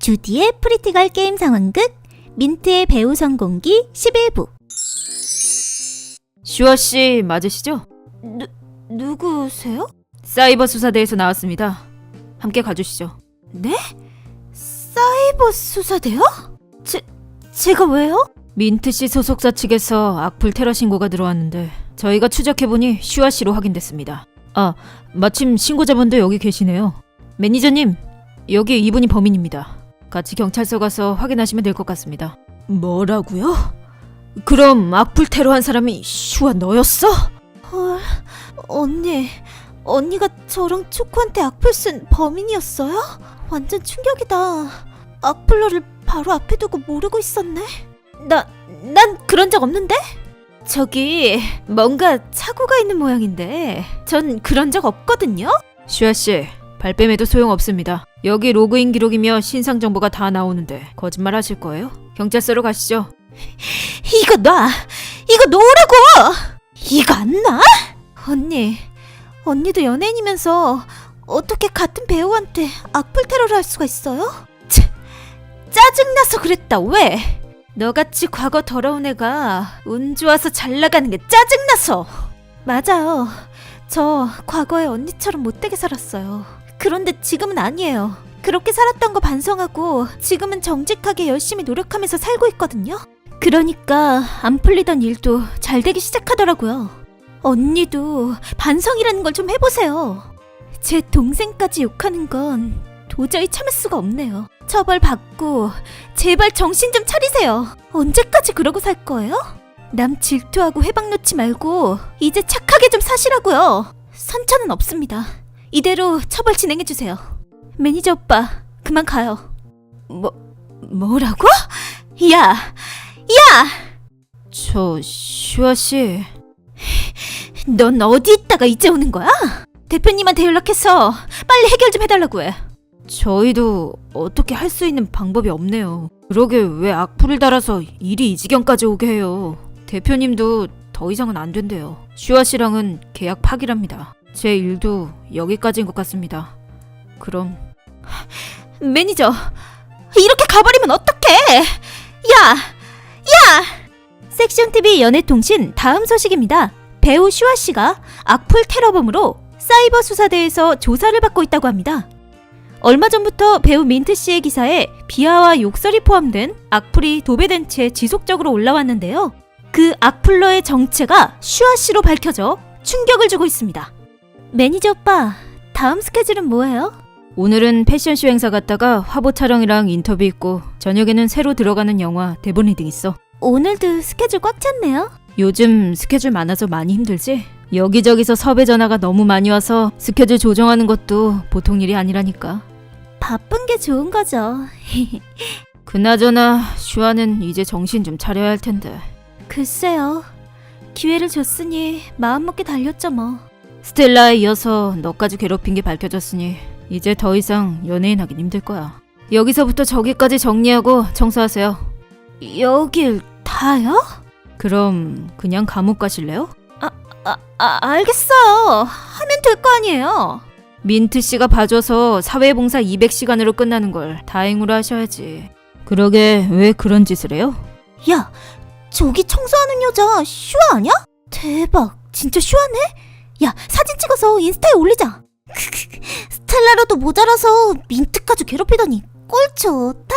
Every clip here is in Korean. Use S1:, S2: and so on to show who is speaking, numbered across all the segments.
S1: 주디의 프리티걸 게임 상황극 민트의 배우 성공기 11부.
S2: 슈아씨 맞으시죠?
S1: 누구세요?
S2: 사이버 수사대에서 나왔습니다. 함께 가주시죠.
S1: 네? 사이버 수사대요? 제가 왜요?
S2: 민트씨 소속사 측에서 악플 테러 신고가 들어왔는데 저희가 추적해보니 슈아씨로 확인됐습니다. 아, 마침 신고자분도 여기 계시네요. 매니저님, 여기 이분이 범인입니다. 같이 경찰서 가서 확인하시면 될 것 같습니다.
S1: 뭐라고요?
S2: 그럼 악플 테러한 사람이 슈아 너였어?
S1: 헐, 언니가 저랑 초코한테 악플 쓴 범인이었어요? 완전 충격이다. 악플러를 바로 앞에 두고 모르고 있었네. 난 그런 적 없는데? 저기 뭔가 착오가 있는 모양인데 전 그런 적 없거든요?
S2: 슈아씨, 발뺌해도 소용없습니다. 여기 로그인 기록이며 신상 정보가 다 나오는데 거짓말 하실 거예요? 경찰서로 가시죠.
S1: 이거 놓으라고! 이거 안 놔? 언니도 연예인이면서 어떻게 같은 배우한테 악플 테러를 할 수가 있어요? 짜증나서 그랬다. 왜? 너같이 과거 더러운 애가 운 좋아서 잘 나가는 게 짜증나서. 맞아요. 저 과거에 언니처럼 못되게 살았어요. 그런데 지금은 아니에요. 그렇게 살았던 거 반성하고 지금은 정직하게 열심히 노력하면서 살고 있거든요. 그러니까 안 풀리던 일도 잘 되기 시작하더라고요. 언니도 반성이라는 걸 좀 해보세요. 제 동생까지 욕하는 건 도저히 참을 수가 없네요. 처벌받고 제발 정신 좀 차리세요. 언제까지 그러고 살 거예요? 남 질투하고 회방 놓지 말고 이제 착하게 좀 사시라고요. 선처는 없습니다. 이대로 처벌 진행해주세요. 매니저 오빠, 그만 가요. 뭐라고? 야!
S2: 저 슈아씨,
S1: 넌 어디 있다가 이제 오는 거야? 대표님한테 연락해서 빨리 해결 좀 해달라고 해.
S2: 저희도 어떻게 할 수 있는 방법이 없네요. 그러게 왜 악플을 달아서 일이 이 지경까지 오게 해요. 대표님도 더 이상은 안 된대요. 슈아씨랑은 계약 파기랍니다. 제 일도 여기까지인 것 같습니다. 그럼
S1: 매니저, 이렇게 가버리면 어떡해! 야! 섹션TV 연애통신 다음 소식입니다. 배우 슈아씨가 악플 테러범으로 사이버 수사대에서 조사를 받고 있다고 합니다. 얼마 전부터 배우 민트씨의 기사에 비하와 욕설이 포함된 악플이 도배된 채 지속적으로 올라왔는데요. 그 악플러의 정체가 슈아씨로 밝혀져 충격을 주고 있습니다. 매니저 오빠, 다음 스케줄은 뭐예요?
S2: 오늘은 패션쇼 행사 갔다가 화보 촬영이랑 인터뷰 있고 저녁에는 새로 들어가는 영화 대본 리딩 있어.
S1: 오늘도 스케줄 꽉 찼네요.
S2: 요즘 스케줄 많아서 많이 힘들지? 여기저기서 섭외 전화가 너무 많이 와서 스케줄 조정하는 것도 보통 일이 아니라니까.
S1: 바쁜 게 좋은 거죠.
S2: 그나저나 슈아는 이제 정신 좀 차려야 할 텐데.
S1: 글쎄요. 기회를 줬으니 마음먹게 달렸죠 뭐.
S2: 스텔라에 이어서 너까지 괴롭힌 게 밝혀졌으니 이제 더 이상 연예인 하긴 힘들 거야. 여기서부터 저기까지 정리하고 청소하세요.
S1: 여길 다요?
S2: 그럼 그냥 감옥 가실래요?
S1: 알겠어요. 하면 될 거 아니에요.
S2: 민트씨가 봐줘서 사회봉사 200시간으로 끝나는 걸 다행으로 하셔야지. 그러게 왜 그런 짓을 해요?
S1: 야, 저기 청소하는 여자 슈아 아냐? 대박, 진짜 슈아네? 야, 사진 찍어서 인스타에 올리자. 스텔라로도 모자라서 민트까지 괴롭히더니 꼴 좋다.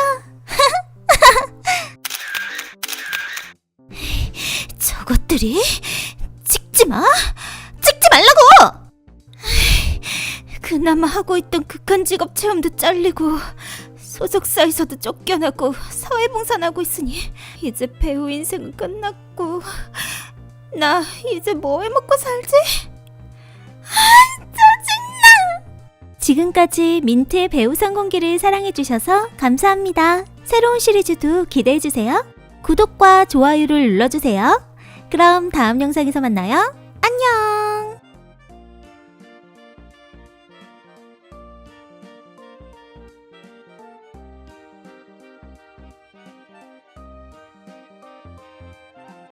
S1: 저것들이 찍지 말라고! 그나마 하고 있던 극한 직업 체험도 잘리고 소속사에서도 쫓겨나고 사회봉사나 하고 있으니 이제 배우 인생은 끝났고 나 이제 뭐 해먹고 살지? 짜증나! 지금까지 민트의 배우 성공기를 사랑해주셔서 감사합니다. 새로운 시리즈도 기대해주세요. 구독과 좋아요를 눌러주세요. 그럼 다음 영상에서 만나요.